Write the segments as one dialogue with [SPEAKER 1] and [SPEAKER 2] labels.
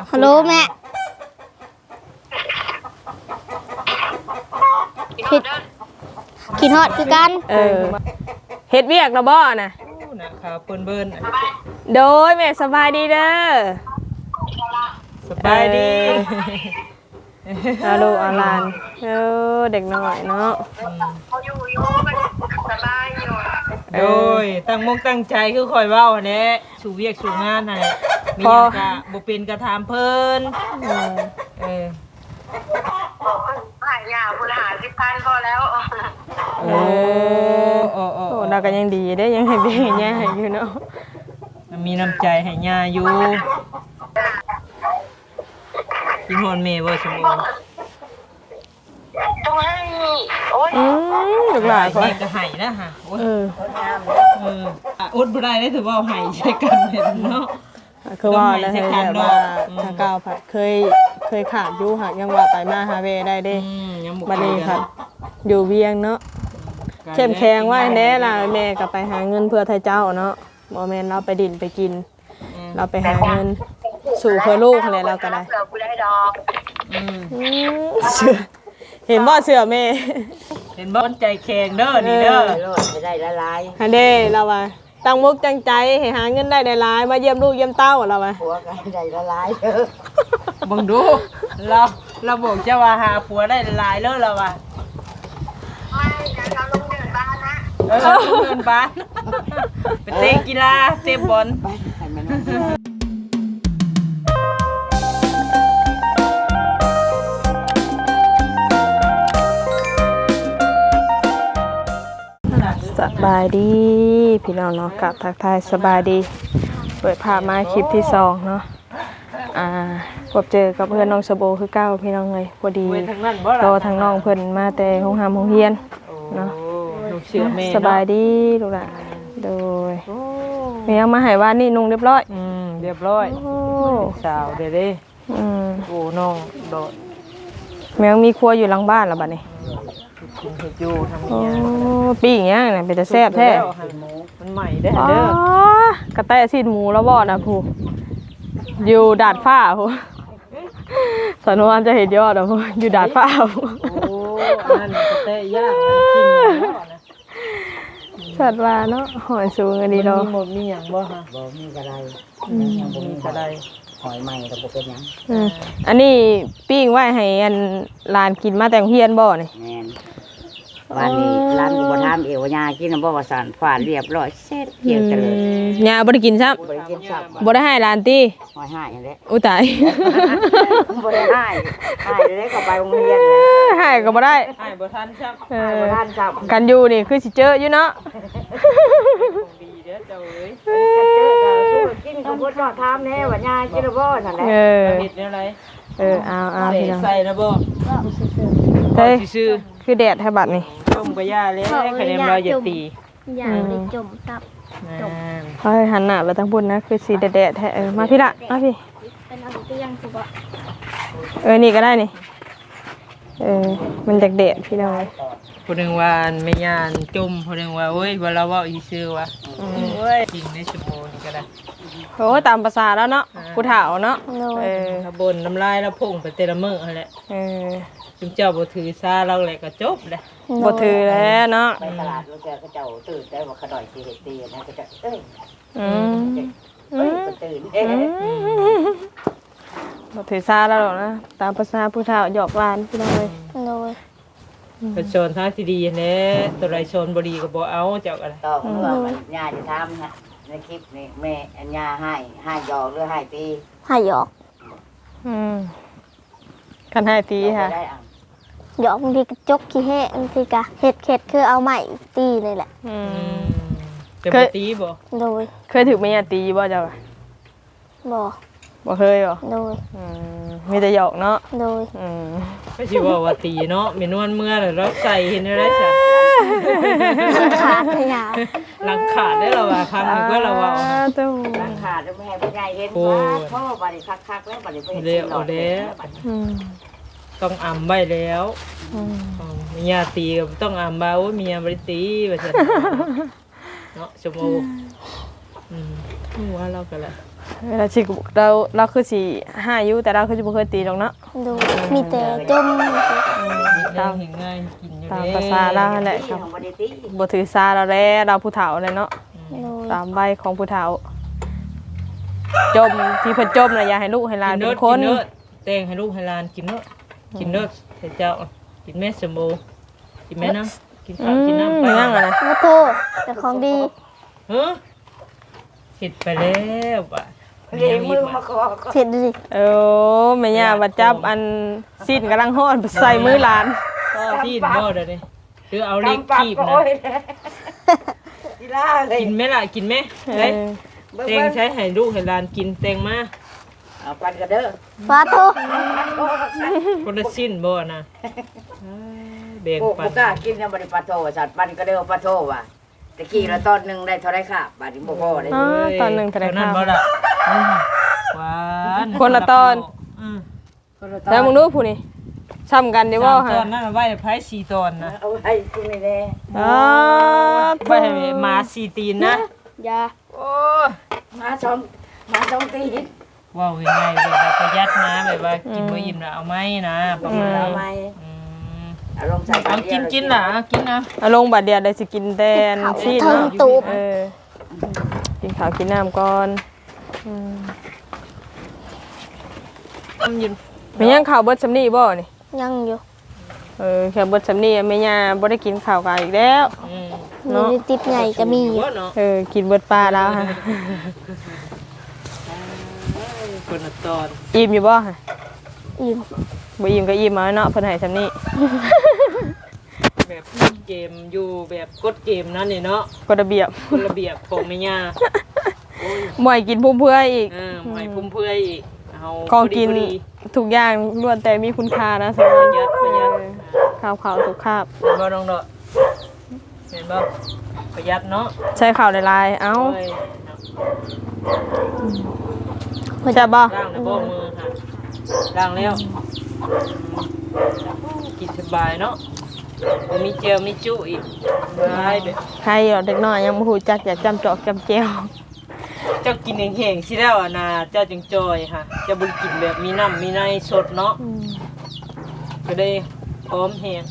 [SPEAKER 1] ฮัลโหลแม่คิดฮอดคือกัน
[SPEAKER 2] เฮ็ดเวียกแล้วบ่น่ะ
[SPEAKER 3] นะครับเปิ้น
[SPEAKER 2] โดยแม่สบายดีเด้อ
[SPEAKER 3] สบายดี
[SPEAKER 2] อาลูกอาหลานเด็กน้อยเนาะ
[SPEAKER 4] อยู่สบายอยู่
[SPEAKER 3] โดยตั้งมงตั้งใจคือคอยเว้าแหละสู่เวียกสู่งานนั่นแหละมีหยังก็บ่เป็นก็ถามเพิ่น
[SPEAKER 4] หายาบุญหา10,000พอแล้ว
[SPEAKER 2] เราก็ยังดีได้ยังให้เบี้ยย่าอยู่เนาะ
[SPEAKER 3] มีน้ำใจให้ย่าอยู่กินฮอนเมย์บ่สมบูรณ์
[SPEAKER 4] ต้องให้โอ๊ย
[SPEAKER 2] ลูกหลาน
[SPEAKER 3] เขาจะให้นะฮะอดบ่ได้ได้ถือว่าให้ใช้กันเห็นเนาะ
[SPEAKER 2] คือว่าแล้วให้แบบว่าทางก้าวผัดเคยขาดอยู่หักยังว่าไปมาหาเวได้เด้บัดนี้ครับอยู่เวียงเนาะเข้มแข็งว่าแน่ล่ะแม่ก็ไปหาเงินเพื่อไทยเจ้าเนาะบ่แม่นเราไปดินไปกินเราไปหาเงินสู่เพื่อลูกอะไรเราก็ได้เห็นบ่เสือแม่
[SPEAKER 3] เห็นบ่ใจแข็งเด้อนี่เด้อ
[SPEAKER 5] ได้หลาย
[SPEAKER 2] ๆฮันเด้เราว่าตั้งมุกตั้งใจให้หาเงินได้หลายๆมาเยี่ยมลูกเยี่ยมเต้าเราว่า
[SPEAKER 5] ผัวก็ได้หลายเด้อ
[SPEAKER 3] บังดูเราบอกจะว่าหาผัวได้หลายเลยเราว่า
[SPEAKER 4] ไม่เราลงเดินบ้านนะ
[SPEAKER 3] ลงเดินบ้านไปเตะกีฬาเตะบอล
[SPEAKER 2] สบายดีพี่น้องเนาะกับทักทายสบายดีเปิดภาพมาคลิปที่2เนาะพบเจอกับเพื่อนน้องสโบคือเก้าพี่น้องเลยพอดีรอทางน้องเพิ่นมาแต่ห้องหามห้องเฮียนเนาะสบายดีลูกหลานโดยแม่ยังมาให้ว่านี่นุ่งเรียบร้อย
[SPEAKER 3] เรียบร้อยสาวเด้โอ้น้องโดด
[SPEAKER 2] แม่ยังมีครัวอยู่หลังบ้านแล้วบัดนี้
[SPEAKER 3] กินเห็ดอยู่ทำอย่าง
[SPEAKER 2] ปีอย่างเงี้ยเนี่ยเป็นจะแซ่บแท้
[SPEAKER 3] มันใหม่ได้เด้
[SPEAKER 2] อกระแตซีนหมูแล้วบ่นะผู้อยู่ดาดฟ้าผู้สนวนจะเห็นยอดนะผู้อยู่ดาดฟ้าผู้
[SPEAKER 3] โอ้นั่นกระแตย่างกินนะ
[SPEAKER 2] สัตว์ว่าเนาะหอยสูงอันนี้เนาะ
[SPEAKER 3] มีหมดมีอย่างบ่ฮะ
[SPEAKER 5] บ่มีกระได
[SPEAKER 3] บ่มีกระได
[SPEAKER 5] หอยใหม่ก็บ่เป็นหยัง
[SPEAKER 2] อันนี้ปิ้งไว้ให้อันลานกินมาแต่งเฮียนบ่นี่
[SPEAKER 5] แม่นวันนี้ร้านบ่ทำเอวยากินบ่ว่าสั่นฝาดเรียบร้อยเสร็จเกี่ยวเจริญ
[SPEAKER 2] ยาบ่ได้กินซับ
[SPEAKER 5] บ่ได้กินซับ
[SPEAKER 2] บ่ได้ให้ลานติ
[SPEAKER 5] หอยหายนั่นแหละ
[SPEAKER 2] อุ๊ยตาย
[SPEAKER 5] บ่ได้ให้ได้ก็ไปโรงเรียน
[SPEAKER 2] ให้ก็บ่ได้
[SPEAKER 3] ให้บ่ทันซับ
[SPEAKER 5] ให้บ่ทันซับ
[SPEAKER 2] กันอยู่นี่คือสิเจออยู่เนาะ
[SPEAKER 3] ดีเด้อเจ้าเอ้ย
[SPEAKER 5] กันเจอก็สู้กินก็บ่ว่าถามแน่ว่ายากินบ่นั่นแหละ
[SPEAKER 3] เฮ็ดแนวไร
[SPEAKER 2] เอาพี่น้อง
[SPEAKER 3] ใส่นะบ่
[SPEAKER 2] เฮ้ยคือแดดให้บัดนี่
[SPEAKER 3] ต้มกระยาเลยคะแนนเราจะตี
[SPEAKER 1] อย่าไปจมตับ
[SPEAKER 2] เฮ้ยหันหน้าไปทางพุ่นนะคือสีแดดแท้มาพี่ละมาพี่
[SPEAKER 1] เป็นอะไรก็ยังสุก
[SPEAKER 2] นี่ก็ได้นี่มันจากแดดพี่น้อง
[SPEAKER 3] คนหนึ่งว่าไม่ยานจุ่มคนหนึ่งว่าเว้ยว่าเราว่าอีซื้อวะเว้ยจริงในชั่วโมงนี้ก็ได้
[SPEAKER 2] โอ้ตามภาษาแล้วเนาะผู้เฒ่าเนาะ
[SPEAKER 3] บนน้ำลายแล้วพุ่งไปเตละมืออะไรจุ่มเจ้าบ่ถือซาเราแหละก็จบเลย
[SPEAKER 2] บ่ถือแล้วเนาะ
[SPEAKER 5] ไปตลาดแล้วเจ้าตื่นได้ว่าขดอยสิเฮ็ดตีนะก็จะตื่น
[SPEAKER 2] บ่ถือซาแล้วหรอกนะตามภาษาผู้เฒ่าหยอกหลานพี่น้องเลย
[SPEAKER 3] เป็นโซนทางที่ดีเนี่ยตัวไรโซนบดีก็บ่เอาเจ้าอะไร
[SPEAKER 5] ต่อเมื่อมันย่าจะทำนะในคลิปนี้แม่ย่าให้หยอกหรือให้ตี
[SPEAKER 1] ให้หยอก
[SPEAKER 2] กันให้ตีค่ะ
[SPEAKER 1] หยอกบางทีกระจกขี้แห้บางทีกะเห็ดคือเอาใหม่ตีเลยแหละ
[SPEAKER 3] เคยตีบ่
[SPEAKER 1] โดย
[SPEAKER 2] เคยถือไม่ยาตีบ่เจ้า
[SPEAKER 1] บ่
[SPEAKER 2] เคยบ่
[SPEAKER 1] โดย
[SPEAKER 2] มีแต่หยอกเนาะ
[SPEAKER 1] โดย
[SPEAKER 3] ไม่ใช่ว่าตีเนาะมีนวลเมื่อหรือเราใส่เห็นอะไรจ้ะ
[SPEAKER 1] ขาดขยะ
[SPEAKER 3] หลังขาดได้เราว่าครั้งนึงก็เราว่า
[SPEAKER 5] หลังขาดแล้วแม่ผู้ใหญ่เห็นว่าพ่อบริคักแล้วบริเวณ
[SPEAKER 3] เลี้ยวเด้ต้องอ่ำใบแล้วมียาตีกับต้องอ่ำเบามียาบริตีแบบนั้นเนาะชั่วโมงว่าเรากันแหละ
[SPEAKER 2] เราสิเราคือสิห้าอยู่แต่เราคือสิบ่เคยตีหรอกเนาะ
[SPEAKER 1] ดูมีแต่จม
[SPEAKER 3] ตามเห็นง่ายกินอยู่
[SPEAKER 2] ตาม
[SPEAKER 3] เด้
[SPEAKER 2] ภาษาเราแหละครับ
[SPEAKER 5] ของบ่ได้ตี
[SPEAKER 2] บ่ถือสาเราแลเราผู้เฒ่าเลยเนาะ
[SPEAKER 1] ดู
[SPEAKER 2] ตามใบของผู้เฒ่าจมที่เพิ่นจมน่ะอย่าให้ลูกให้หลานเป็นคน
[SPEAKER 3] กิเด้อแต่งให้ลูกให้หลานกินเด้อกินเด้อให้เจ้ากินแม่สมบูกินแม่น้ำกินข้าวกินน้ำไป
[SPEAKER 2] ยังอ่ะนะ
[SPEAKER 1] มาโทษแต่ของดี
[SPEAKER 3] เฮ้อเห็ดไปแล้วบ่ะ
[SPEAKER 5] เลี้ยงมือมาขอ
[SPEAKER 1] เสร็จดิ
[SPEAKER 2] เออแม่ย่าว่าจับอันสิ้นกำลังฮ้อนใส่มือหลาน
[SPEAKER 3] ก็ที่บ่เด้อนี่หรือเอาเล็กคีบนะ
[SPEAKER 5] กีฬาเลย
[SPEAKER 3] กินไหมล่ะกินไหม
[SPEAKER 2] เอ
[SPEAKER 3] เฮ้ย
[SPEAKER 2] อ
[SPEAKER 3] แตงใช้ให้ลูกให้หลานกินแตงมา
[SPEAKER 5] เอาปันกันเด้อ
[SPEAKER 1] ฟาโทษ
[SPEAKER 3] คนละสิ้นบ่นะแบ่ง
[SPEAKER 5] โอ้
[SPEAKER 3] ปั
[SPEAKER 5] บ่
[SPEAKER 3] น
[SPEAKER 5] กล้ากินยังบ่ได้ปลาโทว่าสัตว์ปันก็เด้อปลาโทว่ะตะกี้ละตอนนึงได้เท่าไรค่ะบาดนี้บ่พอได้
[SPEAKER 2] อ๋อตอนหนึ่งแถลง
[SPEAKER 3] นั้น
[SPEAKER 2] ข่าว
[SPEAKER 3] บ่ล่ะหวาน
[SPEAKER 2] คนละตอน
[SPEAKER 3] อืม
[SPEAKER 2] แล้วมึงดูผู้นี่ซ้ำกันเดี๋ยวว่า
[SPEAKER 3] สาม
[SPEAKER 2] ฮะ
[SPEAKER 3] ตอนนั้นไว้ไผ4ตอนนะ
[SPEAKER 5] เอาไว้กูนี่แน่
[SPEAKER 2] อ๋อ
[SPEAKER 3] ไว้ให้หมา4ตีนนะ
[SPEAKER 1] ยา
[SPEAKER 3] โอ้
[SPEAKER 5] มาสองตีน
[SPEAKER 3] ว้าวยังไงแบบว่าประหยัดนะแบบว่ากินบ่อิ่มน่ะเอาไหมนะประมาณ
[SPEAKER 5] เอา
[SPEAKER 3] นั้น
[SPEAKER 5] ไหม
[SPEAKER 3] อืม
[SPEAKER 5] เอาลงใส่
[SPEAKER 3] เอากินล่ะเอากินนะ
[SPEAKER 2] เอาลงบัดเดียวได้สิกินแตนชีส
[SPEAKER 1] เทิง
[SPEAKER 2] เนาะ
[SPEAKER 1] ตูบ
[SPEAKER 2] เออกินข้าวกินน้ำก่อนอืม
[SPEAKER 3] ทำยืน
[SPEAKER 2] แม่ย่างข้าวเบิดสำนีบ่นี่
[SPEAKER 1] ยังอยู่
[SPEAKER 2] เออแค่เบิดสำนีแม่ย่าบ่ได้กินข้าวกันอีกแล้ว
[SPEAKER 3] อืม
[SPEAKER 2] เนาะ
[SPEAKER 1] มีติดใหญ่ก็มีอยู่
[SPEAKER 3] ว่าเนาะ
[SPEAKER 2] เออกินเบิดปลาแล้วฮะ
[SPEAKER 3] คนละตอน
[SPEAKER 2] อิ่มอยู่บ่ฮะ
[SPEAKER 1] อิ่ม
[SPEAKER 2] บ่อิ่มก็อิ่มเอาเนาะเพิ่นให้สำนี
[SPEAKER 3] แบบเกมอยู่แบบกดเกมนั่นนี่เนาะ
[SPEAKER 2] กฎระเบียบ
[SPEAKER 3] คนระเบียบของแม่ย่าโอ้ย
[SPEAKER 2] บ่ให้กินพุ่มเพื่ออีก
[SPEAKER 3] ไม่พุ่มเพื่อยอีกเอา
[SPEAKER 2] ของกิน
[SPEAKER 3] พอดี
[SPEAKER 2] ทุกอย่างล้วนแต่มีคุณค่านะสำห
[SPEAKER 3] ป
[SPEAKER 2] รับ
[SPEAKER 3] ระหยัดประหยัด
[SPEAKER 2] ข้าวขาวทุกคาบ
[SPEAKER 3] เห็นบ่น้องเนาะเห็นบ่ประหยัดเนาะ
[SPEAKER 2] ใช้ข้าวหลายๆเอ้า
[SPEAKER 3] เอ้ย
[SPEAKER 2] ใช่บ่
[SPEAKER 3] ล้างในบ่มือค่ะล้างแล้วกินสบายเนาะบ่มีเจลมีจุอีกบายแบบ
[SPEAKER 2] ใครเหรอเด็กน้อยยังบ่ฮู้จักอยากจำจอกจำแจ้ว
[SPEAKER 3] เจ้ากินแห้งๆสิแล้วอ่ะนะเจ้าจึงจอยค่ะเจะบ่กินแบบมีน้ำมีในสดเนาะก็ได้พร้อมแห้ง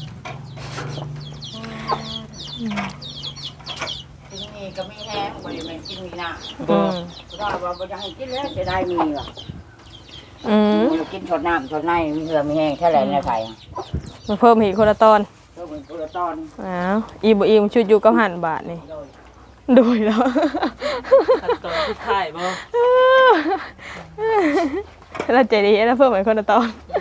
[SPEAKER 5] กินมีก็มีแห้งบ่ได้แม่นกินมีน้ำ
[SPEAKER 3] บ่
[SPEAKER 5] ว่าบ่อยากให้กินแล้วจะได้มีว่ะ
[SPEAKER 2] อืม
[SPEAKER 5] มันกินสดน้ำสดในมีเหือมีแห้งแค่ไหนในไผ
[SPEAKER 2] มาเพิ่มอีกคนละตอน
[SPEAKER 5] ก็เหมือนกุละตอน
[SPEAKER 2] อ้าวอิ่มบ่อิ่มชุดอยู่กับหันบาทนี่ดูแล้ว
[SPEAKER 3] ขั้นตอนสุดท้ายบ่
[SPEAKER 2] เราใจดีแล้วเพิ่มอีกคนละตอน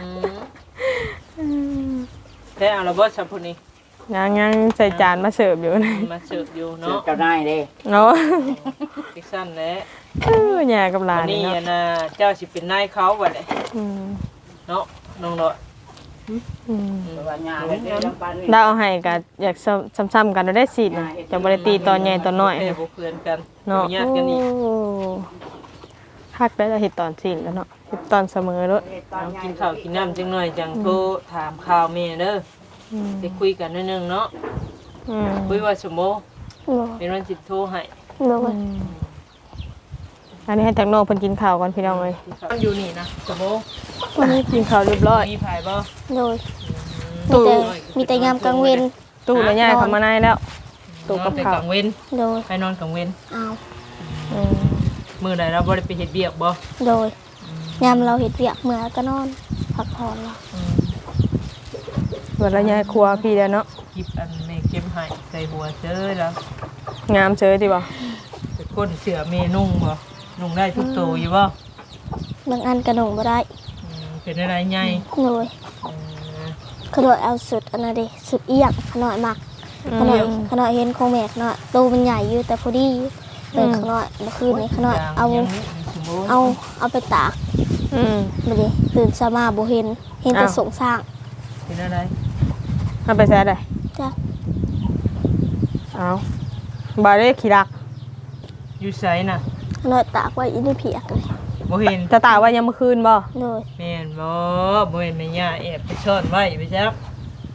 [SPEAKER 3] ได้เอาละบ่ซับพุ่นนี้
[SPEAKER 2] ยังใส่จานมาเสิร์ฟอยู่นี่
[SPEAKER 3] มาเสิร์ฟอยู่
[SPEAKER 5] เนาะ
[SPEAKER 3] เนาะ
[SPEAKER 5] เจ้านายเด้
[SPEAKER 2] เนาะ
[SPEAKER 3] อีกสั้นแหละ
[SPEAKER 2] แย่กับหลา
[SPEAKER 3] วัน นนี้
[SPEAKER 2] เนาะ
[SPEAKER 3] อะนะเจ้าสิเป็นนายเขาบัดนี้
[SPEAKER 2] อืม
[SPEAKER 3] เนาะน้องเนาะ
[SPEAKER 2] อืม
[SPEAKER 5] ว่างานเด้ลำปานนี่
[SPEAKER 2] ดาวเอาให้ก็อยากซ้ำๆกันเราได้สินะจะบ่ได้ตีตอนใหญ่ตอนน้อย
[SPEAKER 3] เอ้ย
[SPEAKER 2] นะ
[SPEAKER 3] บ่เพื่อนกัน
[SPEAKER 2] เนาะ
[SPEAKER 3] บ่ญาติกันอีก
[SPEAKER 2] โอ้ฮักได้แล้วเฮ็ดตอนสิ้นแล้วเนาะเฮ็ดตอนเสมอเด้อ
[SPEAKER 3] เอากินข้าวกินน้ำจังหน่อยจังโทรถามข่าวแม่เด้อ
[SPEAKER 2] อืม
[SPEAKER 3] ได้คุยกันนิดนึงเนาะ
[SPEAKER 2] อืม
[SPEAKER 3] คุยว่าสมโม
[SPEAKER 1] โดย
[SPEAKER 3] เป็นวันสิโทรให้
[SPEAKER 1] โดย
[SPEAKER 2] อันนี้ให้ทางน้องเพิ่นกินข้าวก่อนพี่น้องเอ้ย
[SPEAKER 3] มันอยู่นี่นะสมโม
[SPEAKER 2] วันนี้กินข้าวเรียบร้อย
[SPEAKER 3] มีไผบ่
[SPEAKER 1] โดย
[SPEAKER 2] ตู้
[SPEAKER 1] มีแต่ยามกลางเวน
[SPEAKER 2] ตู้แล้วย้ายเข้ามาในแล้ว ตู้กับ
[SPEAKER 3] นอนแต่
[SPEAKER 2] ข้าว
[SPEAKER 3] กลางเว้น
[SPEAKER 1] โดย
[SPEAKER 3] ไปนอนกลางเว้น
[SPEAKER 1] เอา
[SPEAKER 2] อืม
[SPEAKER 3] มื้อใดเราบ่ได้ไปเฮ็ดเวียกบ่
[SPEAKER 1] โดยยามเราเห็ดเวียกเมื่อก็นอนพักผ่อนเรา
[SPEAKER 2] เวลาย้ายครัวพี่แล้วเนาะ
[SPEAKER 3] คลิปอันแม่เก็บให้ใส่หัวเจอแล้ว
[SPEAKER 2] งามเฉยดีบ่
[SPEAKER 3] ไปก้นเสือเมนุ่งบ่นุ่งได้ทุกตัวอยู่บ่
[SPEAKER 1] บางอันกระหนงบ่ได้
[SPEAKER 3] เป็นอะไรใหญ่
[SPEAKER 1] โดยขนอยเอาสุดอันนั้นเด้สุดเอียงขนอยมักขนอยเห็นของแม่ขนอยตูมันใหญ่อยู่แต่พอดีเลยขนอยเมื่อคืนนี้ขนอยเอาไปตาก
[SPEAKER 2] อืม
[SPEAKER 1] มาดิตื่นเช้ามาบ่เห็นแต่
[SPEAKER 2] อ้าว
[SPEAKER 1] สงสร้าง
[SPEAKER 3] เป็นอะไร
[SPEAKER 2] เอาไปแซ่ได้
[SPEAKER 1] จ้ะ
[SPEAKER 2] เอาบ่ได้ขี้รัก
[SPEAKER 3] อยู่ไสน่ะ
[SPEAKER 1] ขนอยตากไว้อีนี่เพียกเลย
[SPEAKER 3] บ่เห็น
[SPEAKER 2] จะตากไว้ยามมื้อคืนบ่
[SPEAKER 1] โดย
[SPEAKER 3] แม่นบ่บ่เห็นแม่ย่าแอบไปซ่อนไว้ไปจัก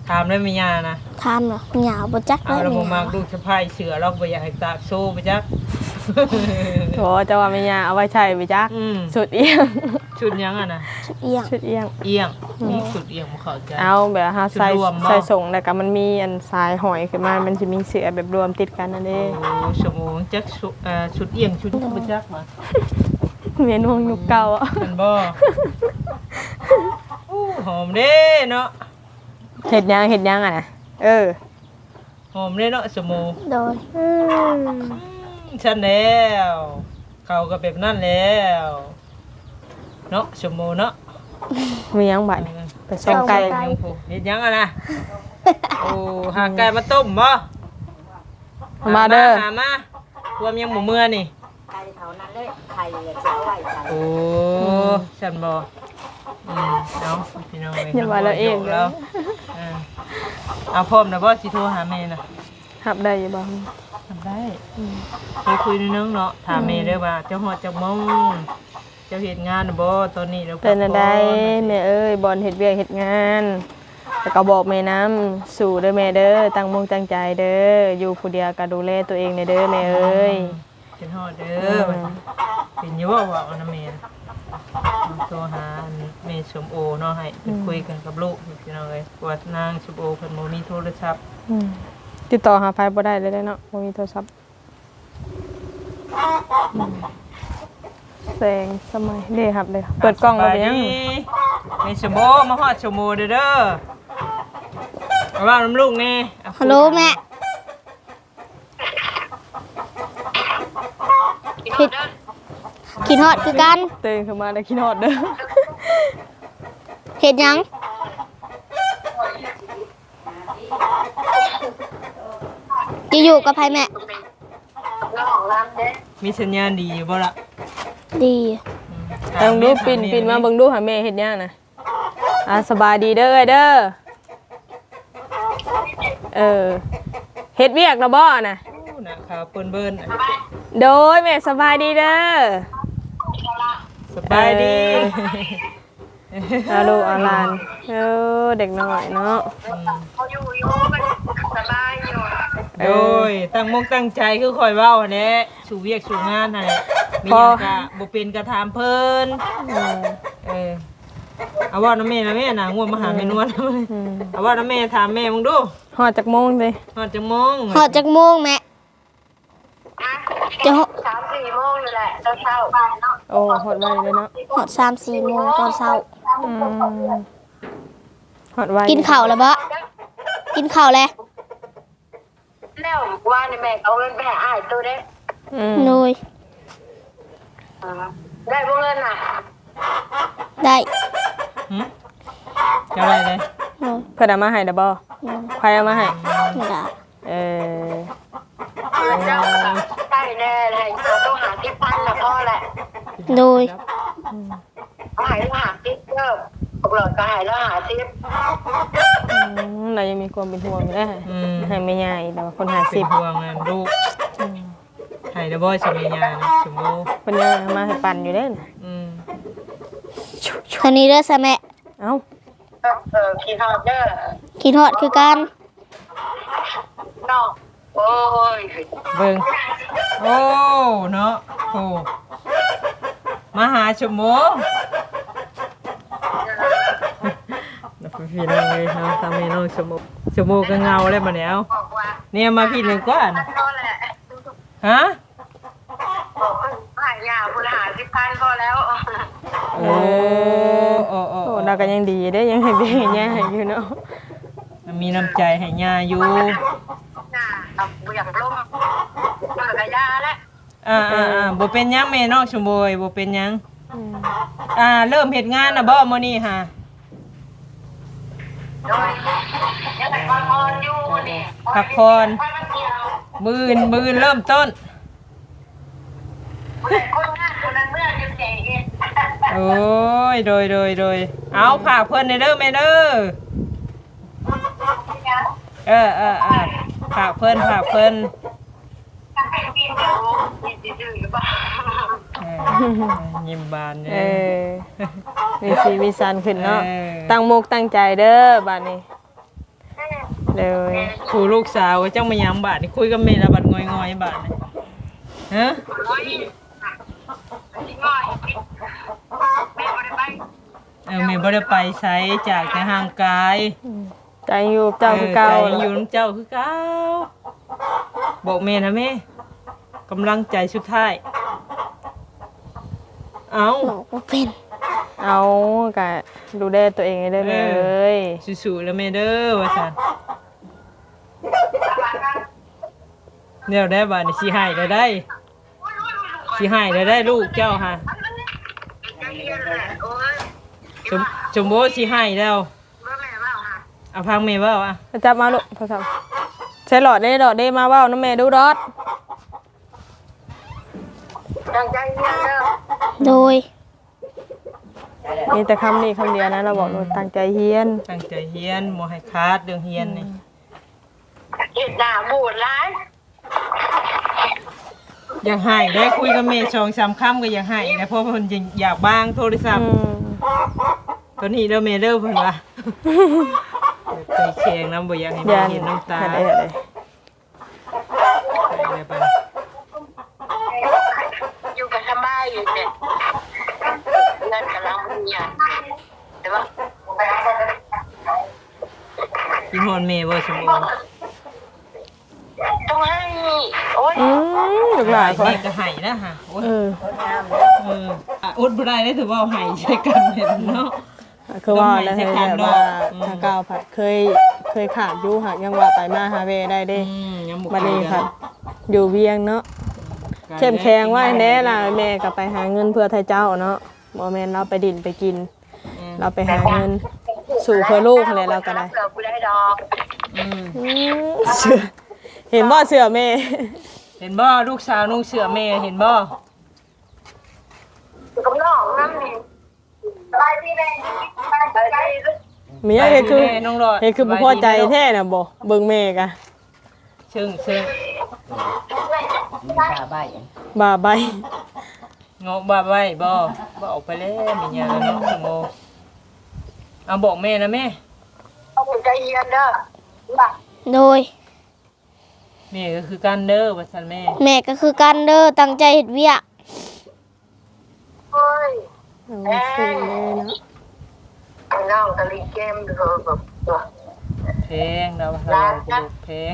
[SPEAKER 3] ถามได้ไหมยานะ
[SPEAKER 1] ทำเหรอหยาวบ่จัก
[SPEAKER 3] เอา
[SPEAKER 1] เลย
[SPEAKER 3] เราบ่
[SPEAKER 1] ห
[SPEAKER 3] มั
[SPEAKER 1] ยาก ว
[SPEAKER 3] ลูกสะพ้ายเสือเราบ่อยากให้ตากโซ่ไปจัก
[SPEAKER 2] โถจะว่าแม่ย่าเอาไว้ใช้ไปจัก
[SPEAKER 3] อืม
[SPEAKER 2] สุดเอียง
[SPEAKER 3] ชุดยังอ่ะนะ
[SPEAKER 1] เอียง
[SPEAKER 2] สุดเอียง
[SPEAKER 3] เอียงมีชุดเอียงบ่เข้าใจ
[SPEAKER 2] เอาแบบหาใส่
[SPEAKER 3] ชุดรวมบ่
[SPEAKER 2] ใส่ส่งแล้วก็มันมีอันสายหอยขึ้นมามันสิมีเสือแบบรวมติดกันนั่นเด้
[SPEAKER 3] โอ้สมองจักชุดเอียงชุดบ่จักมา
[SPEAKER 2] เมนูยุคเก่าอ่ะ
[SPEAKER 3] มันบ่อู้หอมเด้เนาะ
[SPEAKER 2] เฮ็ดยังอ่ะนะ
[SPEAKER 3] หอมเด้เนาะสมอง
[SPEAKER 1] โดย
[SPEAKER 3] ฉันแล้วเขาก็แบบนั้นแล้วเนาะสมองเนาะ
[SPEAKER 2] มียังบัดนี่ไปส่งไก่
[SPEAKER 3] ยังผู้เฮ็ดยังอ่ะนะโอ้หาไก่มาต้มบ่
[SPEAKER 2] มาเด้อ
[SPEAKER 3] หามารวมยังหมูเมื่อนี่
[SPEAKER 5] ไก่เท่านั้นเลยไข่เลยจะไว้ใส่
[SPEAKER 3] โอ้ฉันบ่เนาะพี่น้อง
[SPEAKER 2] อย่าว่าเราเอง
[SPEAKER 3] แล้วเอาพร้อมนะบ่สิโทรหาแม่น่ะ
[SPEAKER 2] หับได้อยู่บ่
[SPEAKER 3] ทำได้คุยในนึงเนาะถามแม่เด้อว่าเจ้าฮอดจักโมงเจ้าเฮ็ดงานน่ะบ่ตอนนี้เรา
[SPEAKER 2] เป็นอะไรแม่เอ้ยบอลเฮ็ดเวียกเฮ็ดงานแล้วก็บอกแม่น้ำสู่เด้อแม่เด้อตั้งมุ่งตั้งใจเด้ออยู่ผู้เดียวก็ดูแลตัวเองในเด้อแม่เอ้ย
[SPEAKER 3] เป็นฮอดเด้อเป็นอยู่ว่าเอานะแม่โทรหาแม่สมโอเนาะให้เพิ่นคุยกันกับลูกพี่น้องเอ้ยว่านางสมโอเพิ่นบ่มีโทรศัพท์
[SPEAKER 2] ติดต่อหาไฟบ่ได้เลยเนาะบ่มีโทรศัพท์แสงสมัยเด้ครับเลยเปิดกล้องแล้วเป็นยัง
[SPEAKER 3] แม่สมโอมาฮอดสมโอเด้อเอาว่าน้ำลูกแน่เอา
[SPEAKER 1] ฮัลโหลแม่ผิดกินฮอดคือกัน
[SPEAKER 2] ตื่นขึ้นมาได้คิดฮอดเด้อ
[SPEAKER 1] เฮ็ดหยังจะอยู่กับไผแม่
[SPEAKER 3] มีสัญญาณดีอยู่บ่ล่ะ
[SPEAKER 1] ดี
[SPEAKER 2] ลองดูปิ่นมาเบิ่งดูหาแม่เฮ็ดหยังน่ะสบายดีเด้อเด้อเฮ็ดเวียกแล้วบ่น่ะ
[SPEAKER 3] น่ะขาวเปิ้นเบิ้น
[SPEAKER 2] โดยแม่สบายดีเด้อ
[SPEAKER 3] สบายดี
[SPEAKER 2] เอาลูกเอาหลานเด็กน้อยเนาะ
[SPEAKER 4] เขาอยู่มันสบายอยู่
[SPEAKER 3] โดยตั้งมกตั้งใจคือคอยเว้าแหละสู่เวียกสู่งานนั่นแหละมีหยังก็บ่เป็นก็ถามเพิ่นเอาว่าน้าแม่นะแม่น่ะง่วงมาหาแม่นวลเอาว่าน้าแม่ถามแม่มึงดู
[SPEAKER 2] ฮอดจักโมงเลย
[SPEAKER 3] ฮอดจังมง
[SPEAKER 1] ฮอดจักโมงแม่จะฮอด
[SPEAKER 4] 3-4 โมงนี่แหละเช้าๆเนาะ
[SPEAKER 2] โอ้ฮอดไวเลยเนาะ
[SPEAKER 1] ฮอด3-4 โมงตอนเช้า
[SPEAKER 2] ฮอดไว
[SPEAKER 1] กินข้าวแล้วบ่กินข้าวแล้ว
[SPEAKER 4] แล้วว่าในแม่เอาเงินไปให้อ้ายตัวเด้
[SPEAKER 1] หนุย
[SPEAKER 4] ได้บ่เงินน่ะ
[SPEAKER 1] ได้
[SPEAKER 3] เจ้าอะไรเลย
[SPEAKER 1] หนุย
[SPEAKER 2] เพิ่นเอามาให้ดอกบ่ใครเอามาให้
[SPEAKER 1] ไม่ได้
[SPEAKER 4] เจ้าใช่แน่เลยเราต้องหาที่พันละพ่อแหละ
[SPEAKER 1] หนุย
[SPEAKER 4] เอาหายแล้วหาที่เพิ่มปกหลอดก็หายแล้วหาที่
[SPEAKER 2] เรายังมีความเป็นห่วงอยู่เด้อให้แม่ใหญ่แต่ว่าคนหา
[SPEAKER 3] เป็น
[SPEAKER 2] 10
[SPEAKER 3] ห่วงนะลูกให้เด้อบ่สมีญานะสมโม
[SPEAKER 2] เพิ่นยังเอามาให้ปั่นอยู่เด้อน่ะ
[SPEAKER 1] คันนี้เด้อซะแม่
[SPEAKER 2] เอ้า
[SPEAKER 4] ขี่ฮอดเด้อ
[SPEAKER 1] กินฮอดคือกัน
[SPEAKER 4] เนาะโอ้ย
[SPEAKER 3] เบิ่งโอ้เนาะโอ้มาหาสมโมนับพี่น้องเลยเนาะทำให้น้องสมโมก็เงาแล้วบัดนี้เอา
[SPEAKER 4] บอกว่า
[SPEAKER 3] เนี่ยมาพี่หนึ่งก่อน
[SPEAKER 4] พอแหละ
[SPEAKER 3] ฮะ
[SPEAKER 4] บอกหายยาบุญหาที่พันพอแล้ว
[SPEAKER 3] โอ้โอ้
[SPEAKER 2] โอ้เราก็ยังดีเด้อยังให้เบี้ยให้ย่าให้อยู่เนาะ
[SPEAKER 3] มีน้ำใจให้ย่าอยู่
[SPEAKER 4] น่ะเอาบุญอยากล้มมันก็ยาแล้ว
[SPEAKER 3] บ่เป็นหยังแม่น้องชมบยบ่เป็นหยังเริ่มเฮ็ดงานน่ะบ่มื้อนี้ฮะ
[SPEAKER 4] โดยยังแต่ก่อนพรอยู่นี่
[SPEAKER 3] พักผ่อน
[SPEAKER 4] ไปมันเกี่ยว
[SPEAKER 3] มื้อเริ่มต้น
[SPEAKER 4] คนงานคนนั้นเมื่อจะเจ๊เอง
[SPEAKER 3] โอ้ยโดยเอาฝากเพิ่นเด้อแม่เด้อฝากเพิ่น
[SPEAKER 4] ถ้าเป็นปีเดียวยินดีหรือเปล่า
[SPEAKER 3] ยิ้มบานเด้
[SPEAKER 2] มีสีมีสันขึ้นเนาะ
[SPEAKER 3] เออ
[SPEAKER 2] ตั้งมุกตั้งใจเด้อบัดนี้เลย
[SPEAKER 3] ผู้ลูกสาวจังมายังบาดนี่คุยกับแม่ละบัดงอยๆบาดนี่ฮะ
[SPEAKER 4] โอ้ยที่ง่อยแม่บ่ได้ไป
[SPEAKER 3] แม่บ่ได้ไปไสจากแต่ห่างกาย
[SPEAKER 2] ใจอยู่เจ้าคือเก่า
[SPEAKER 3] ใจอยู่น้ำเจ้าคือเก่าบอกแม่นะแม่กำลังใจสุดท้ายเอา
[SPEAKER 1] บอกว่าเป็น
[SPEAKER 2] เอากะดูแลตัวเองให้ได้เลย
[SPEAKER 3] สู้ๆแล้วแม่เด้อว่าซั่นแนวได้บาดนี่สิให้ได้ได้สิให้ได้ลูกเจ้าฮะ
[SPEAKER 4] ใจเย็นแหละโอ้ย
[SPEAKER 3] จมโบสิให้แล้ว
[SPEAKER 4] ว่าแม่ว่าค่ะ
[SPEAKER 3] เอาพังแม่เว้าอ่ะ
[SPEAKER 2] จับมาลูกโทรศัพท์ใช้หลอดได้มาเว้าน้ำแม่ดูดอด
[SPEAKER 4] ตั้งใจเรียนเด้อ
[SPEAKER 1] โดย
[SPEAKER 2] มีแต่คำนี้คำเดียวนะเราบอกเราตั้งใจเฮียน
[SPEAKER 3] ตั้งใจเฮียนบ่ให้ขาดเรื่องเฮียนนี่
[SPEAKER 4] เฮ็ดหน้าบูดหลาย
[SPEAKER 3] อยากให้ได้คุยกับแม่2-3คำก็อยากให้นะเพราะเพิ่นอยากบ้างโทรศัพท์ตัวนี้เด้อแม่เด้อเพิ่นว่าเคยแข่งน้ำบ่อยากให้แม่เห็นน้ำตา
[SPEAKER 2] ได้
[SPEAKER 3] อะไรไป
[SPEAKER 4] อยู่กับสบายอยู่เนี่ยเงินกำลังมีอ่ะแต่ว่า
[SPEAKER 3] กินฮอนแม่บ่สมบูรณ์
[SPEAKER 4] ต้องให้โอ้ย
[SPEAKER 2] ลูกหลานเขา
[SPEAKER 3] แม่ก็ให้นะฮะโอ้ย
[SPEAKER 2] เออ
[SPEAKER 3] อดบ่ได้ได้ถือว่าให้ใช้กันเห็นเนาะ
[SPEAKER 2] คือว่าแล้วให้แบบว่าทางก้าวผัดเคยขาดอยู่หักยังว่าไปมาหาเวได้เด้
[SPEAKER 3] ยังบ่
[SPEAKER 2] บัดนี้ผัดอยู่เวียงเนาะเข้มแข็งไว้แน่ล่ะแม่ก็ไปหาเงินเพื่อไทยเจ้าเนาะบ่แม่นเราไปดินไปกิน เราไปหาเงินสู่เพื่อลูกอะไรเราก็ได้
[SPEAKER 4] เสือกูได้ดอก
[SPEAKER 2] เสื้อเห็นบ่เสื้อแม่
[SPEAKER 3] เห็นบ่ลูกสาวนุ่งเสื้อแม่เห็นบ่
[SPEAKER 4] กับน้องนั่นนี่ไปที่ไหนไปที่
[SPEAKER 2] มีอะไรคือ
[SPEAKER 3] น้องรอด
[SPEAKER 2] เฮ็ดคือบ่พอใจแท้น่ะบ่เบิ่งแม่กะ
[SPEAKER 3] เชิง
[SPEAKER 5] ตาใบ
[SPEAKER 2] บ่าใบ
[SPEAKER 3] งอกบ่าไว้บ่ออกไปแล้วมีหยังเนาะสมโมเอาบอกแม่นะแม่
[SPEAKER 4] เอาใจเย็นเด้อบ่
[SPEAKER 1] โดย
[SPEAKER 3] แม่ก็คือกันเด้อว่าซั่นแม่
[SPEAKER 1] แม่ก็คือกันเด้อตั้งใจเฮ็ดเวียก
[SPEAKER 4] เฮ้ย
[SPEAKER 2] เอาสิแม่เนาะ
[SPEAKER 4] น้องตะลิเกมเด้อแบบตัว
[SPEAKER 3] เพลงเราเราจะดูเพลง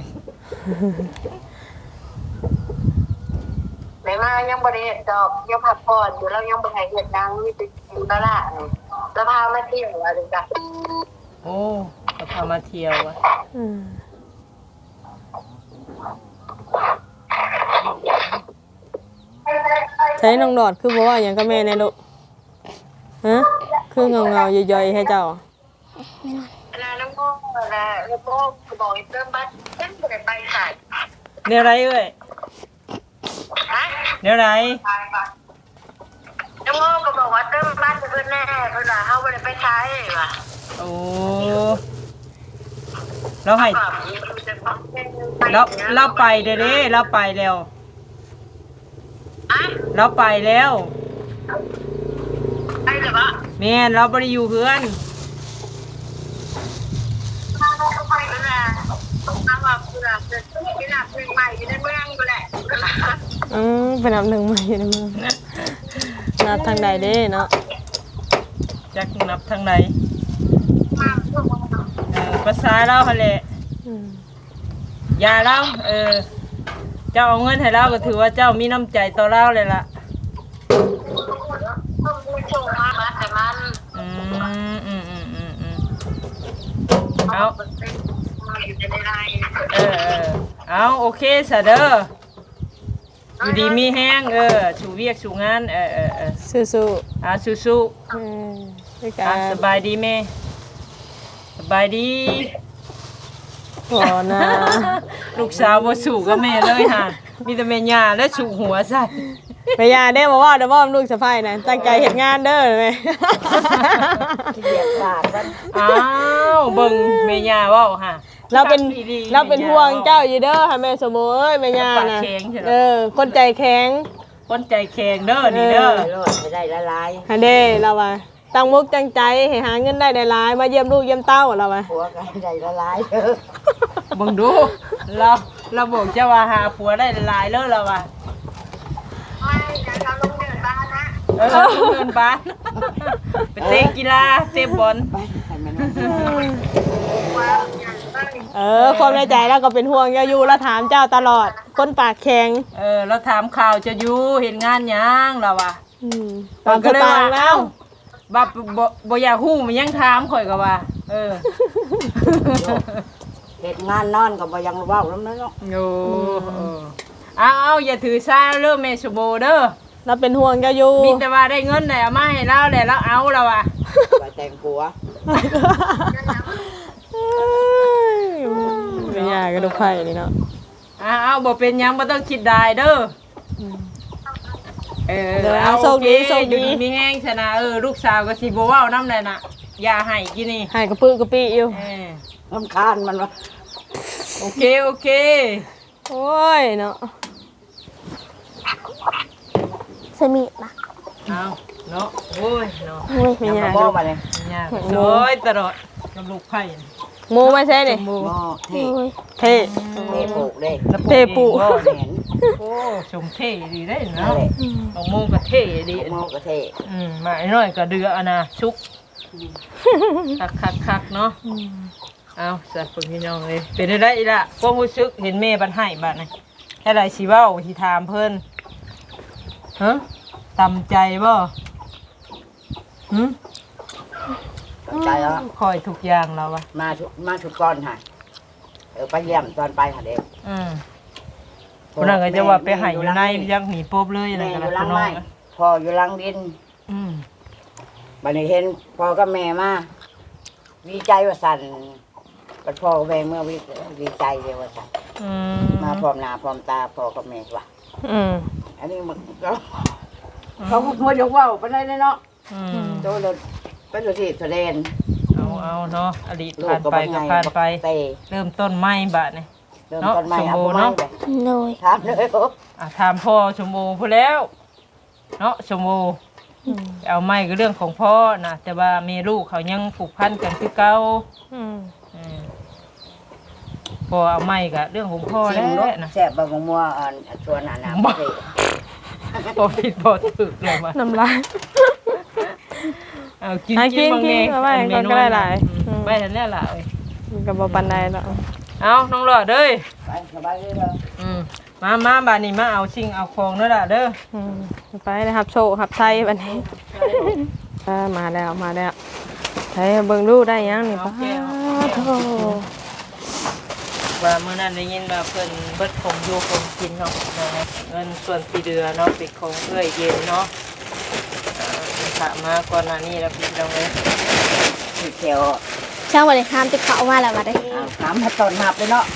[SPEAKER 4] แม่มายังบ่ได้เฮ็ดดอกยังพักผ่อนอยู่แล้วยังบ่ได้เฮ็ดดังมีแต่กินตลาดนี่แล้วพามาเที่ยวว่าจังซั่น
[SPEAKER 3] โอ้เราพามาเที่ยวอ่ะ
[SPEAKER 2] อืมใช้น้องดอดคือบ่ว่าหยังกับแม่แน่ลูกฮะคือเงาๆย่อยๆให้เจ้า
[SPEAKER 4] แล้วน้องโมแล้วโมก็บอกให้เติมบัตรเพิ่นบ่ได้ไปขาย
[SPEAKER 3] เดี๋ยวไรเอ้ย
[SPEAKER 4] ฮะ
[SPEAKER 3] เดี๋ยวไร
[SPEAKER 4] น้องโมก็บอกว่าเติมบัตรเพิ่นแน่เพิ่นว่าเฮาบ่ได้ไปขายว่ะ
[SPEAKER 3] โอ้เราให้
[SPEAKER 4] แบบอยู่แต่พักเป็นไป
[SPEAKER 3] เราไปเด้อเด้เราไปแล้ว
[SPEAKER 4] ฮะ
[SPEAKER 3] เราไปแล้ว
[SPEAKER 4] ไปเลยบ่
[SPEAKER 3] แม่นเราบ่ได้อยู่เพื่อน
[SPEAKER 4] ไปแล้วนะถามว่าเพิ่นจะไปนับเพลงใหม่อยู่ในเมืองบ่แหละ
[SPEAKER 2] เป็นอันดับหนึ่งมาอยู่ในเมืองนับทางใดเด้เนาะ
[SPEAKER 3] จักนับทางไหนภาษาเราหั่นแหละ
[SPEAKER 2] อืม
[SPEAKER 3] อย่าเราเจ้าเอาเงินให้เราก็ถือว่าเจ้ามีน้ำใจต่อเราเลยล่ะ
[SPEAKER 4] ผู้ชมมาบัตรแต่มัน
[SPEAKER 3] เอา
[SPEAKER 4] อยู่ในไลน์
[SPEAKER 3] เอาโอเคซะเด้ออยู่ดีมีแห้งสู่เวียกสู่งาน
[SPEAKER 2] สู้
[SPEAKER 3] สู้
[SPEAKER 2] ๆด้วย
[SPEAKER 3] ๆ
[SPEAKER 2] กัน
[SPEAKER 3] สบายดีแม่สบายดี
[SPEAKER 2] ขอนะ
[SPEAKER 3] ลูกสาวบ่สู่กับแม่เลยค่ะมีแต่แม่ย่าและสู่หัวใส่
[SPEAKER 2] แม่ยาเด้บอกว่าเดี๋ยวว่าลูกสะใภ้นะตั้งใจเฮ็ดงานเด้อแม่
[SPEAKER 5] เรียกบาดมัน
[SPEAKER 3] อ้าวเบิ่งแม่ย่าเว้าค่ะ
[SPEAKER 2] เราเป็นห่วงเจ้าอยู่เด้อค่ะแม่สมโภเอ้ยแม่ยานะคนใจแข็ง
[SPEAKER 3] คนใจแข็งเด้อนี่เด้อ
[SPEAKER 5] โลดให้ได้ละลาย
[SPEAKER 2] ฮะเด้เราว่าตั้งมุกตั้งใจให้หาเงินได้หลายๆมาเยี่ยมลูกเยี่ยมเต้าเราไป
[SPEAKER 5] ผัวกันใจละลายเด้อ
[SPEAKER 3] เบิ่งดูเราบอกจะว่าหาผัวได้หลายๆเลยเราว่า
[SPEAKER 4] ไม่เดี๋ยวเราลงเดินบ้านนะ
[SPEAKER 3] เงินบ้านไปเตะกีฬาเตะบอล
[SPEAKER 5] ไปให้มัน
[SPEAKER 4] ว่าอย่างไร
[SPEAKER 2] ความในใจแล้วก็เป็นห่วงอยู่แล้วถามเจ้าตลอดคนปากแข็ง
[SPEAKER 3] เราถามข่าวจะอยู่เห็นงานยังเราว่า
[SPEAKER 2] ตามสไตล์แล้ว
[SPEAKER 3] บับบ่อยากฮู้มันยังถามข่อยก็ว่า
[SPEAKER 5] เฮ็ดงานนอนก็บ่ยังเว้านำเนาะ
[SPEAKER 3] โอ้เอาอย่าถือซาเด้อแม่สมโบเด้อ
[SPEAKER 2] เราเป็นห่วงอยู่
[SPEAKER 3] มีแต่ว่าได้เงินได้เอามาให้เราแล้วเราเอาเราอ่ะ
[SPEAKER 5] ไปแต่งผัว
[SPEAKER 2] ไม่ยากก็ดูไข่นี่เนาะ
[SPEAKER 3] เอาบ่เป็นหยังบ่ต้องคิดได้เด้อเอา
[SPEAKER 2] โชคดีโชค
[SPEAKER 3] อยู่
[SPEAKER 2] ดี
[SPEAKER 3] ดีมีแห้งชนะลูกสาวก็สิบ่เว้านำได้น่ะอย่าให้กินนี่
[SPEAKER 2] ให้กระปื้อกระปี้อยู่
[SPEAKER 5] รำคาญมันวะ
[SPEAKER 3] โอเค
[SPEAKER 2] โอ้ยเนาะ
[SPEAKER 1] สมิธนะ
[SPEAKER 3] เอาเนาะโอ้ยเนาะ
[SPEAKER 1] โอ้ย
[SPEAKER 2] ไม่
[SPEAKER 5] ยัง
[SPEAKER 2] ยาก
[SPEAKER 5] บ่มาเลย
[SPEAKER 3] ยากโอ้ยตลอดกับลูกไผ่
[SPEAKER 2] หมูไม่ใช่นี่
[SPEAKER 3] หมู
[SPEAKER 5] บ่เท่
[SPEAKER 1] โอ้ย
[SPEAKER 2] เท่
[SPEAKER 5] เท่ปลูกเด้
[SPEAKER 2] เทปู
[SPEAKER 5] บ่เห็น
[SPEAKER 3] โอ้ชมเท่ดีได้
[SPEAKER 5] นั่น
[SPEAKER 3] เนาะ
[SPEAKER 5] แหละ
[SPEAKER 3] บางโมก็เท่ดี
[SPEAKER 5] โมก็เท่
[SPEAKER 3] มาไอ้น้อยก็เดืออะนะชุกคักเนาะเอาใส่คนพี่น้องเลยเป็นได้อีละความรู้สึกเห็นแม่บันให้บัดนี่แค่ไรสิเว้าสิถามเพิ่นฮะตำใจบ่หึ
[SPEAKER 5] ใจแล้ว
[SPEAKER 3] คอยทุกอย่างแล้ววะ
[SPEAKER 5] มาชุดก่อนค่ะไปเยี่ยมตอนไปค่ะเด็ก
[SPEAKER 3] คนนั้นก็จะว่าไปให้อยู่ในยังหนีปบเลยอะไร
[SPEAKER 5] แม่
[SPEAKER 3] กัน
[SPEAKER 5] อยู่
[SPEAKER 3] ละ
[SPEAKER 5] หลั
[SPEAKER 3] ค
[SPEAKER 5] ง
[SPEAKER 3] นน้อ
[SPEAKER 5] ไม้
[SPEAKER 3] ง
[SPEAKER 5] พ่ออยู่หลังดินบัดนี้เห็นพ่อกับแม่มาดีใจว่าสั่นบัดพ่อกับแม่เมื่อวิดีใจเลยว่าสั่นมาพร้อมหน้าพร้อมตาพ่อกับแม่ว่ะอันนี้มันก็เขาหัวยกว่าวไปได้เนาะโตเลยเป็นตัวที่แสดง
[SPEAKER 3] เอาเนาะอดีตผ่านไปก็ผ่านไป เริ่มต้นใหม่บาดนี่
[SPEAKER 5] เริ่มต้นใหม่เอาใหม่เลย
[SPEAKER 1] โดย
[SPEAKER 5] ถามเลยโอ้
[SPEAKER 3] ถามพ่อชมโมพูดแล้วเนาะชมโมเอาไม่ก็เรื่องของพ่อนะแต่ว่าเมลูกเขายังผูกพันกันคือเก่าพอเอาไม่ก็เรื่องของพ่อ
[SPEAKER 5] ชิ
[SPEAKER 3] แล้
[SPEAKER 5] ม
[SPEAKER 3] ว
[SPEAKER 5] เนาะ
[SPEAKER 3] นะ
[SPEAKER 5] แซ่บบางมัวชวนอาน้ำเลย
[SPEAKER 3] พอผิดพอถูกเลยมา
[SPEAKER 2] น้ำลาย
[SPEAKER 3] เอากิน
[SPEAKER 2] กิน
[SPEAKER 3] บางเอง
[SPEAKER 2] เอาไว้ก่อนก็ได้หลาย
[SPEAKER 3] ไปทันแน่ละ
[SPEAKER 2] มันก็บ่ปันใดแล้ว
[SPEAKER 3] เอาน้องหลอดเด้ย
[SPEAKER 5] ไปสบายเลยเหรอ
[SPEAKER 3] มาบานนี้มาเอาชิงเอาของเด้อล่ะเด้อ
[SPEAKER 2] ไปนะครับโชว์ครับไทยบัดนี้มาแล้วไทยเบิ่งดูได้ยังนี่ป้าโธ่
[SPEAKER 3] ว่ามื้อนั้นได้ยินว่าเพิ่นเบิดของอยู่ของกินเนาะเงินส่วนที่เหลือเนาะเป็นของเอื้อยเย็นเนาะถามมาก่อนหน้านี้แล้วพี่น้องเอ้ย
[SPEAKER 5] ที่เขียว
[SPEAKER 1] ช่างวันนี้ห้ามติดเขามาแล้วมาได้
[SPEAKER 5] น้ำให้ต้นหับเลยเนาะ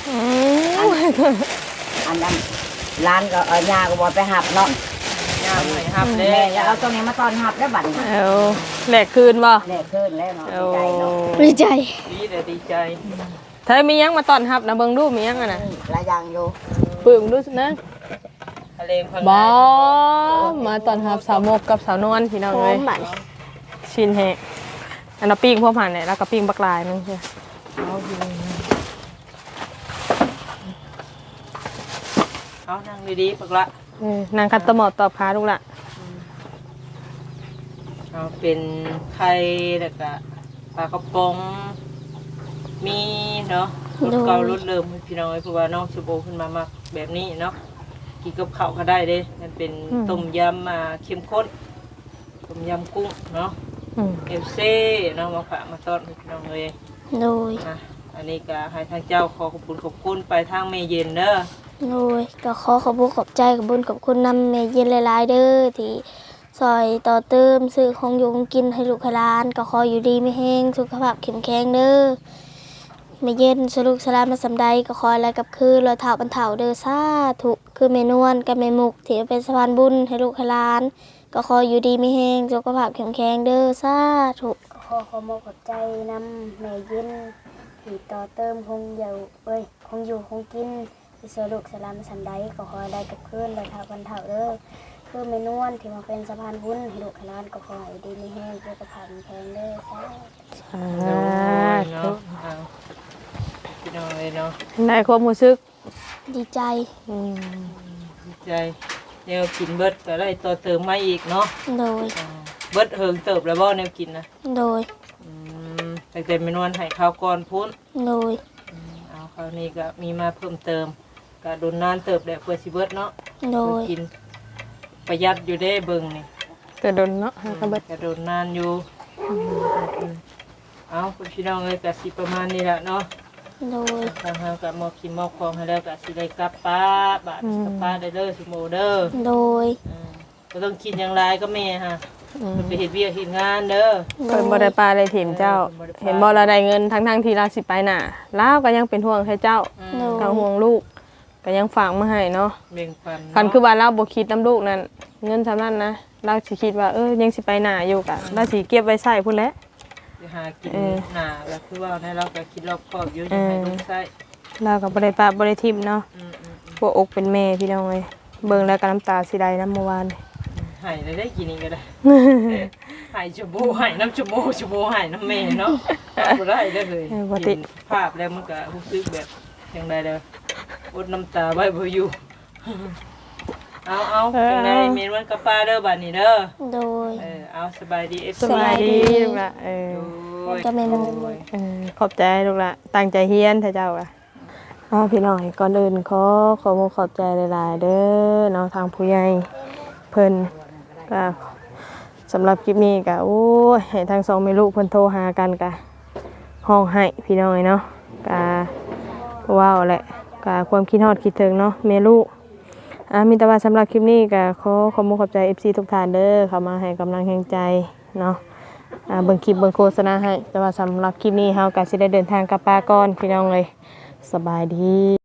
[SPEAKER 5] อันนั้นร้านก็ยาก็บอกไปหับเนาะ
[SPEAKER 3] ย่ามให้ฮับเด้
[SPEAKER 5] แม่จะเอาตรงนี้มาตอนหับได้บัดนี้
[SPEAKER 2] เอาแหลกคืนบ่
[SPEAKER 5] แน่ขึ้นแล้วเนาะ
[SPEAKER 2] เอา
[SPEAKER 5] ใจเนาะ
[SPEAKER 1] ดีใจ
[SPEAKER 3] ดีเด้อดีใจ
[SPEAKER 2] ไทยมียังมาต้อนรับนะเบิ่งดูมียังอ่ะนะ
[SPEAKER 5] หลายอย่างอยู่
[SPEAKER 2] ปึ้งดูสินะ
[SPEAKER 3] ทะเลพัง
[SPEAKER 2] บ่มาต้อนรับสาวมกกับสาวนวลพี่น้อง
[SPEAKER 1] พร้อ
[SPEAKER 2] เอ้ย
[SPEAKER 1] มบัด
[SPEAKER 2] ชินแฮะอันน่ะปิ้งพวกผ่านเนี่ยแล้วก็ปิ้งบักลายนึงใช่
[SPEAKER 3] เอานั่งดีๆปักละ
[SPEAKER 2] นางคัตตะหมอดตอบค้าลูกละ
[SPEAKER 3] เอาเป็นไข่แล้วก็ปลากระป๋องมีเนาะรสเก่ารสเดิมพี่น้องเอ้ยเพราะว่าน้องชูโบขึ้นมามักแบบนี้เนาะกินกับข้าวก็ได้เด้มันเป็นต้มยำเข้มข้นต้มยำกุ้งเนาะเอฟซีเนาะมาฝากมาต้อนพี่น้องเลย
[SPEAKER 1] โดย
[SPEAKER 3] อันนี้ก็ให้ทางเจ้าขอขอบคุณไปทางเมเย็นเด้อ
[SPEAKER 1] โดยก็ขอขอบคุณขอบใจกับบุญกับคุณนำเมเย็นหลายๆเด้อที่ซอยต่อเติมซื้อของอยู่ของกินให้ลูกให้หลานก็ขออยู่ดีไม่แห้งสุขภาพเข้มแข็งเด้อเมเย็นสรุกสลามมาสำใดก็ขออะไรกับคือรอยเท้าบรรเทาเด้อสาธุคือเมนวลกับเมมุกที่เป็นสะพานบุญให้ลูกให้หลานก็ขออยู่ดีไม่แห้งสุขภาพเข้มแข็งเด้อสาธุขอขอบใจนำเมเย็นที่ต่อเติมคงอยู่คงกิน สรุปสลามสันไดก็ขอได้กับเพื่อนเลยเท่ากันเท่าเด้อคือเมนวนที่มาเป็นสะพานบุญให้ลูกให้หลานก็ขอให้ดีมีแห้งเพื่อกระพันแพงเด้อสาธุ
[SPEAKER 3] เนาะเอาพี่น้องเลยเนาะ
[SPEAKER 2] ในความรู้สึก
[SPEAKER 1] ดีใจ
[SPEAKER 2] อืม
[SPEAKER 3] ดีใจแนวกินเบิดก็ได้ต่อเติมมาอีกเนาะ
[SPEAKER 1] โดย
[SPEAKER 3] เบิดเฮิงเติบแล้วบ่แนวกินนะ
[SPEAKER 1] โดย
[SPEAKER 3] ตั้งแต่เมนวนให้ข้าวก่อนพุ้น
[SPEAKER 1] โดย
[SPEAKER 3] เอาคราวนี้ก็มีมาเพิ่มเติมก็โดนนานเติบแหละเพื่อสิเบิดเนาะ
[SPEAKER 1] โดย
[SPEAKER 3] กินประหยัดอยู่ได้เบิ่งนี่
[SPEAKER 2] แต่โดนเนาะก็เบิด
[SPEAKER 3] ก็โดนนานอยู่เอาพี่น้องเอ้ยก็สิประมาณนี้แหละเนาะ
[SPEAKER 1] โดย
[SPEAKER 3] ทางเฮาก็มอบกินมอบของให้แล้วก็สิได้กลับป้าบาดกลับป้าได้เด้อสิโมเด้อ
[SPEAKER 1] โดย
[SPEAKER 3] ก็ต้องกินอย่างไรก็แม่ฮะมันไปเฮ็ดเวียกเฮ็ดงานเด้อ
[SPEAKER 2] เพิ่นบ่ได้ปลาได้ถิ่มเจ้า เห็นบ่เราได้เงินทั้งที่เราสิไปหน้าลาวก็ยังเป็นห่วงให้เจ้า
[SPEAKER 1] โดย
[SPEAKER 2] ก็ห่วงลูกก็ยังฝากมาให้เนาะ
[SPEAKER 3] แบ่งปัน
[SPEAKER 2] คันคือว่าเราบ่คิดนำลูกนั่นเงินสำนั้นนะเราสิคิดว่ายังสิไปหน้าอยู่กะเราสิเก็บไว้ใช้พุ่นแหละ
[SPEAKER 3] สิหากินหน้าแล้วคือว่าให้เราก็คิดรอบคอบอยู่อยังให้ลูกใช้
[SPEAKER 2] เราก็บ่ได้ปลาบ่ได้ทิ่มเนาะพวกอกเป็นแม่พี่น้องเอ้ยเบิ่งแล้วก็น้ำตาสิไหลนำเมื่อวาน
[SPEAKER 3] หายได้กินอีกก็ได้หายชั่วโมงหายน้ำชั่วโมงหายน้ำแม่เนาะบ่ได้ได้เลยเห็นภาพแล้วมันก็รู้สึกแบบจังได๋เด้ออดน้ำตาไว้บ่อยู่เอาจังได๋เมนวันกับป้าเด้อบัดนี้เด้อ
[SPEAKER 1] โดย
[SPEAKER 3] เอาสบายดี
[SPEAKER 2] สบายดีลูกละ
[SPEAKER 1] จะไม่มัน
[SPEAKER 2] ขอบใจลูกละตั้งใจเฮียนเถอะเจ้าอ่ะพี่น้องก่อนอื่นขอขอบใจหลายๆเด้อเนาะทางผู้ใหญ่เพิ่นก็สำหรับคลิปนี้ก็โอ้ยให้ทางสองแม่ลูกเพิ่นโทรหากันก็ห้องให้พี่น้องเนาะก็ว้าวแหละก็ความคิดฮอดคิดถึงเนาะแม่ลูกมีแต่ว่าสำหรับคลิปนี้ก็ขอขอบใจ FC ทุกท่านเด้อเข้ามาให้กำลังแรงใจเนาะเบิ่งคลิปเบิ่งโฆษณาให้แต่ว่าสำหรับคลิปนี้เฮาก็สิได้เดินทางกลับป่าก่อนพี่น้องเลยสบายดี